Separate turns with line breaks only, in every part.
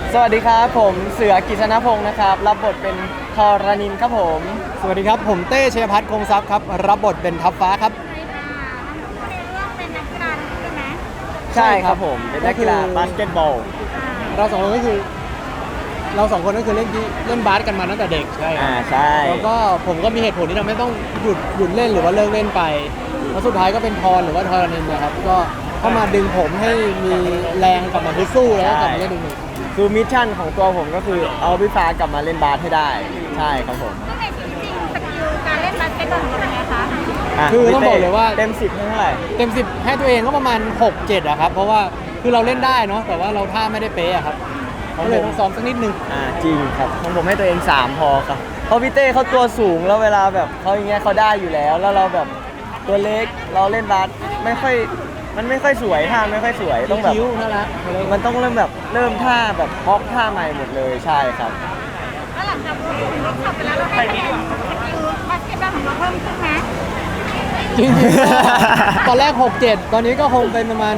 สวัสดีครับผมเสือกิษณพงศ์นะครับรับบทเป็นทรณินครับผม
สวัสดีครับผมเต้ชัยพัฒน์คงทรัพย์ครับรับบทเป็นทัพฟ้าครับ
ในเรื่องเป็นนักกีฬาใช่ไหม
ใช่ครับผมเป็นนักกีฬาบาสเกตบอล
เราสองคนก็คือเล่นบาสกันมาตั้งแต่เด็กใช่
ใช่
แล้วก็ผมก็มีเหตุผลที่ทำให้ต้องหยุดเล่นหรือว่าเลิกเล่นไปแล้วสุดท้ายก็เป็นพรหรือว่าทรณินนะครับก็เข้ามาดึงผมให้มีแรงกลับมาสู้แล้วก็กลับมาเล่นอีก
คือมิชชั่นของตัวผมก็คือเอาพี่ฟ้ากลับมาเล่นบาสให้ได้ใช่ครับผม
ซึ่งในชีวิตจริงสกิลการเล่นบาสเกตบอลเป็นไงคะ
คือต้องบอกเลยว่า
เต็ม10ให้เท่าไหร่
เต็ม10ให้ตัวเองก็ประมาณ6-7อะครับเพราะว่าคือเราเล่นได้เนาะแต่ว่าเราท่าไม่ได้เป๊ะอะครับก็เลยต้องซ้อมสักนิดนึง
จริงครับของผมให้ตัวเอง3พอครับเพราะพี่เต้เขาตัวสูงแล้วเวลาแบบเขาอย่างเงี้ยเขาได้อยู่แล้วเราแบบตัวเล็กเราเล่นบาสมันไม่ค่อยสวยท่าไม่ค่อยสวยต้องแบบ
น่ารัก
มันต้องเริ่มท่าแบบฮอกท่าใหม่หมดเลยใช่ครับ
แล้วหลังจากรู้ถึงรอบขับไปแล้วเราให้คะแนนสกิลบาสเกตบอลของเราเพิ่มขึ้นไหม
จริงๆตอนแรก6-7ตอนนี้ก็คงเป็นประมาณ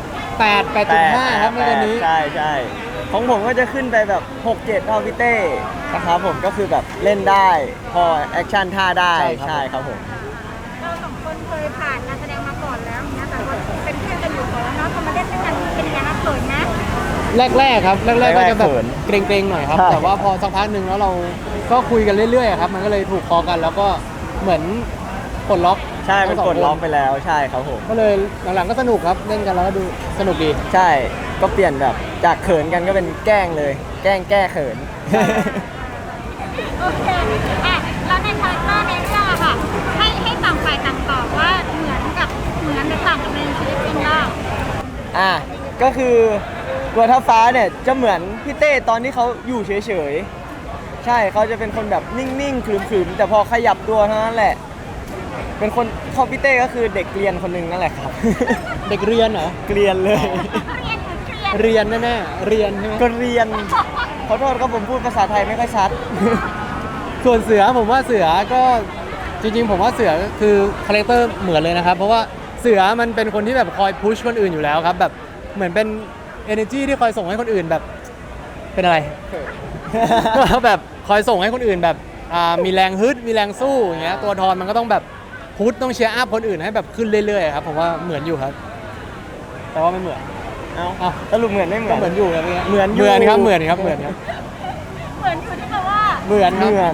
8.5ครับในตอนนี้
ใช่ของผมก็จะขึ้นไปแบบ6-7เท่าพี่เต้นะครับผมก็คือแบบเล่นได้พอแอคชั่นท่าได้ใช่ครับผม
เราสองคนเคยผ่านการแสดงมาก่อนแล้วนะแต่ว่าเป็นเพื่อนกันอยู่ก่อนแล้วเนาะพอมาเล่นด้วยกันเป็นยังไงนะเขินนะ
แรกครับแรกก็จะแบบเกรงๆหน่อยครับแต่ว่าพอสักพักหนึ่งแล้วเราก็คุยกันเรื่อยๆครับมันก็เลยถูกคอกันแล้วก็เหมือนปลดล็อก
ใช่เป็นปลดล็อกไปแล้วใช่ครับผม
ก็เลยหลังๆก็สนุกครับเล่นกันแล้วก็ดูสนุกดี
ใช่ก็เปลี่ยนแบบจากเขินกันก็เป็นแกล้งเลยแก้เขิน
โอเคแล้วในคาแรคเตอร์ในเรื่องอะค่ะให้ต่างฝ่ายต่างตอบว่าเหมือนหรือต่างกับในชีวิตจริงบ้าง
ก็คือตัวทัพฟ้าเนี่ยจะเหมือนพี่เต้ตอนที่เขาอยู่เฉยๆใช่เขาจะเป็นคนแบบนิ่งๆขรึมๆแต่พอขยับตัวเท่านั้นแหละเป็นคนเขาพี่เต้ก็คือเด็กเรียนคนหนึ่งนั่นแหละครับ
เด็กเรียนเหรอ
เรียนเลย
เรียนแน่ๆเรียนใช่ไหม
ก็เรียนขอโทษครับผมพูดภาษาไทยไม่ค่อยชัด
ส่วนเสือผมว่าเสือก็จริงๆผมว่าเสือคือคาแรคเตอร์เหมือนเลยนะครับเพราะว่าเสือมันเป็นคนที่แบบคอยพุชคนอื่นอยู่แล้วครับแบบเหมือนเป็น energy ที่คอยส่งให้คนอื่นแบบเป็นอะไรแบบคอยส่งให้คนอื่นแบบมีแรงฮึดมีแรงสู้อย่างเงี้ยตัวทอนมันก็ต้องแบบพุชต้องเชียร์อัพคนอื่นให้แบบขึ้นเรื่อยๆครับผมว่าเหมือนอยู่ครับแต่ว่าไม่เหมือน
สรุปเหมือนไม่เหมือน
เหมือนอยู่ครับ
เหมือน
ครับเหมือนอยู่ที่
แปลว่า
เหมือน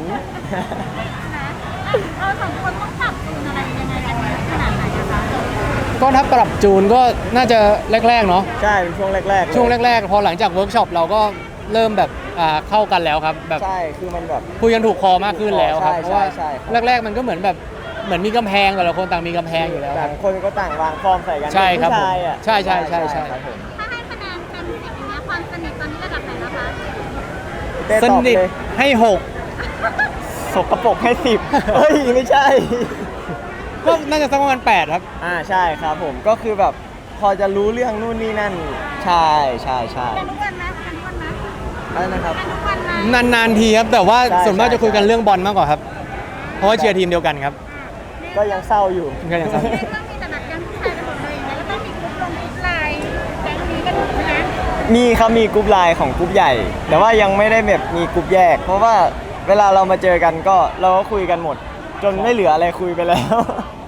เราสองคนต้องปรับจูนอะไรยังไงกันขนาดไหนคะ
ก็ถ้าปรับจูนก็น่าจะแรกๆเนาะ
ใช่เป็นช่วงแรก
พอหลังจากเวิร์กช็อปเราก็เริ่มแบบเข้ากันแล้วครับแบบ
ใช่คือมันแบบ
คุยกันถูกคอมากขึ้นแล้วครับเพราะว่าแรกๆมันก็เหมือนมีกำแพงแต่ละคนต่างมีกำแพงอยู่แล้ว
ต่างคนก็ต่างวางฟอร์มใส่กัน
ใช่ครับผมใช่
ครับผมถ้าให้คะแนนเต็ม10อย่างเงี้ยความสนิทตอนนี้ระดับไหนแล้วคะ
สนิทให้6
สกปรกให้10เฮ้ยไม่ใช่
ก็น่าจะสักประมาณ8ครับ
ใช่ครับผมก็คือแบบพอจะรู้เรื่องนู่นนี่นั่นใช่
ทุกวันนะ
อะไรนะครับ
นานๆทีครับแต่ว่าส่วนมากจะคุยกันเรื่องบอลมากกว่าครับเพราะว่าเชียร์ทีมเดียวกันครับ
ก็ยังเศร้าอยู่
ต้องมีแต่แบบยังผู้ชายกันหมดเลยอย่างเงี้ยแล้วต้องมีกรุ๊ปไลน์แก๊งนี้กันนะ
มีครับมีกรุ๊ปไลน์ของกรุ๊ปใหญ่แต่ว่ายังไม่ได้แบบมีกรุ๊ปแยกเพราะว่าเวลาเรามาเจอกันก็เราก็คุยกันหมดจนไม่เหลืออะไรคุยไปแล้ว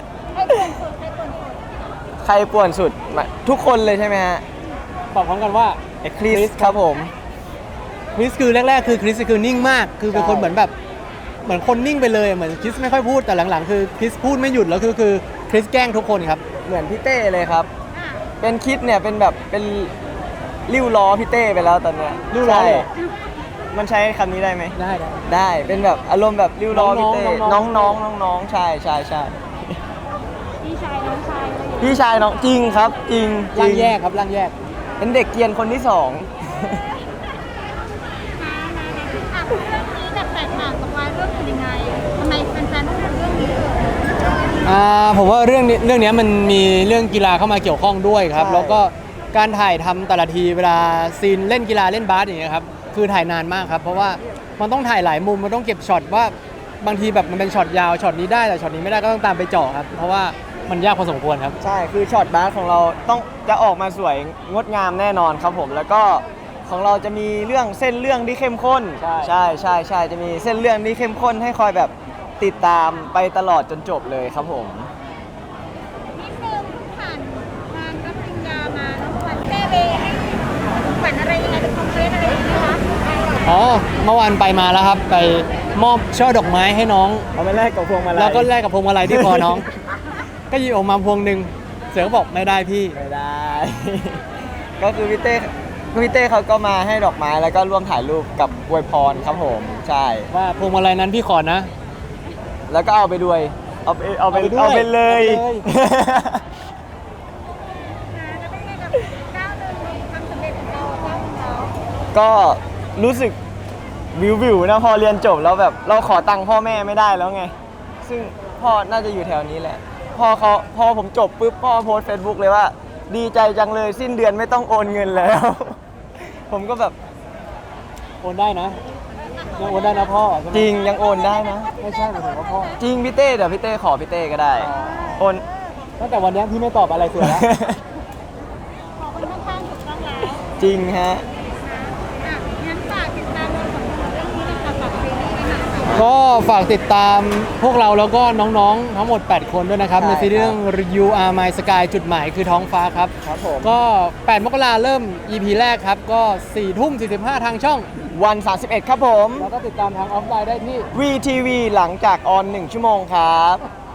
ใครป่วนสุดทุกคนเลยใช่ไหมฮะ
ตอบพร้อมกันว่า
คริสครับผม
คริสคือแรกๆคือคริสคือนิ่งมากคือเป็นคนเหมือนคนนิ่งไปเลยเหมือนคริสไม่ค่อยพูดแต่หลังๆคือคริสพูดไม่หยุดแล้วคือคริสแกล้งทุกคนครับ
เหมือนพี่เต้เลยครับเป็นคริสเนี่ยเป็นแบบเป็นริ้วล้อพี่เต้ไปแล้วตอนเนี้ย
ริ้วล้อ
มันใช้คำนี้ได้ไหม
ได้
เป็นแบบอารมณ์แบบริ้วล้อพี่เต้น้องใช่
พี่ชายน้องชาย
พี่ชายน้องจริงครับจริง
ร่างแยกครับร่างแยก
เป็นเด็กเกรียนคนที่2
เรื่องนี้แบบแตกต่างกับวายเรื่องอื่นยังไงทำไมแฟนๆต้องดูเรื่องนี้
ผมว่าเรื่องนี้มันมีเรื่องกีฬาเข้ามาเกี่ยวข้องด้วยครับแล้วก็การถ่ายทำแต่ละทีเวลาซีนเล่นกีฬาเล่นบาสอย่างเงี้ยครับคือถ่ายนานมากครับเพราะว่ามันต้องถ่ายหลายมุมมันต้องเก็บช็อตว่าบางทีแบบมันเป็นช็อตยาวช็อตนี้ได้แต่ช็อตนี้ไม่ได้ก็ต้องตามไปเจาะครับเพราะว่ามันยากพอสมควรครับ
ใช่คือช็อตบาสของเราต้องจะออกมาสวยงดงามแน่นอนครับผมแล้วก็ของเราจะมีเรื่องเส้นเรื่องที่เข้มข้น
ใช่
ใช่จะมีเส้นเรื่องที่เข้มข้นให้คอยแบบติดตามไปตลอดจนจบเลยครับผม
นิดนึงผ่านงานรับปริญญามาน้องขวัญเต้เบให้ขวัญอะไรยังไงเป็นคอมเพลนอะไรอย่างเงี้ยคะ
อ๋อเมื่อวานไปมาแล้วครับ ไปมอบช่อดอกไม้ให้น้อง
เอาไปแลกกับพวงมาลัย
แล้วก็แลกกับพวงมาลัยที่คอน้อง ก็หยิบออกมาพวงหนึ่งเสือก็บอกไม่ได้พี่
ไม่ได้ ก็คือพี่เต้เขาก็มาให้ดอกไม้แล้วก็ร่วมถ่ายรูปกับอวยพรครับผมใช่
ว่าพวงมาลัยนั้นพี่ขอนะ
แล้วก็เอาไปด้วยเอาไป
เอาไปด้วย
เอาไปเลย
เอาไปเลย
แล้วเป็นไงกับก้าวหนึ่งในความสำเร็จของเราก้าวของเรา
ก็รู้สึกวิวนะพอเรียนจบแล้วแบบเราขอตังค์พ่อแม่ไม่ได้แล้วไง ซึ่งพ่อน่าจะอยู่แถวนี้แหละพอผมจบปุ๊บพ่อโพสเฟซบุ๊กเลยว่า ดีใจจังเลยสิ้นเดือนไม่ต้องโอนเงินแล้ว ผมก็แบบ
โอนได้นะยังโอนได้นะพ่อใช่ไหม
จริงยังโอนได้นะ
ไม่ใช่หมายถึงว่าพ่อ
จริงพี่เต้เดี๋ยวพี่เต้ขอพี่เต้ก็ได้ โอน
ตั้งแต่วันนี้พี่ไม่ตอบอะไรเสือแล้ว
ขอคนข้างๆถูกต้องแล้ว
จริงฮะ
อ่ะงั้นฝากติดตามเราของเรื่องนี้นะคะฝากซีรีส์นะคะ
ก็ฝากติดตามพวกเราแล้วก็น้องๆ ทั้งหมด 8 คนด้วยนะครับ
ใช่
ในซีรีส์เรื่อง You Are My Sky จุดหมายคือท้องฟ้าครับ
ครับผม
ก็ 8 มกราเริ่ม EP แรกครับ ก็ 4 ทุ่ม 45 ทางช่อง
วัน 31 ครับผม
แล้วก็ติดตามทางออฟไลน์ได้ที่
VTV หลังจากออน 1 ชั่วโมงครับ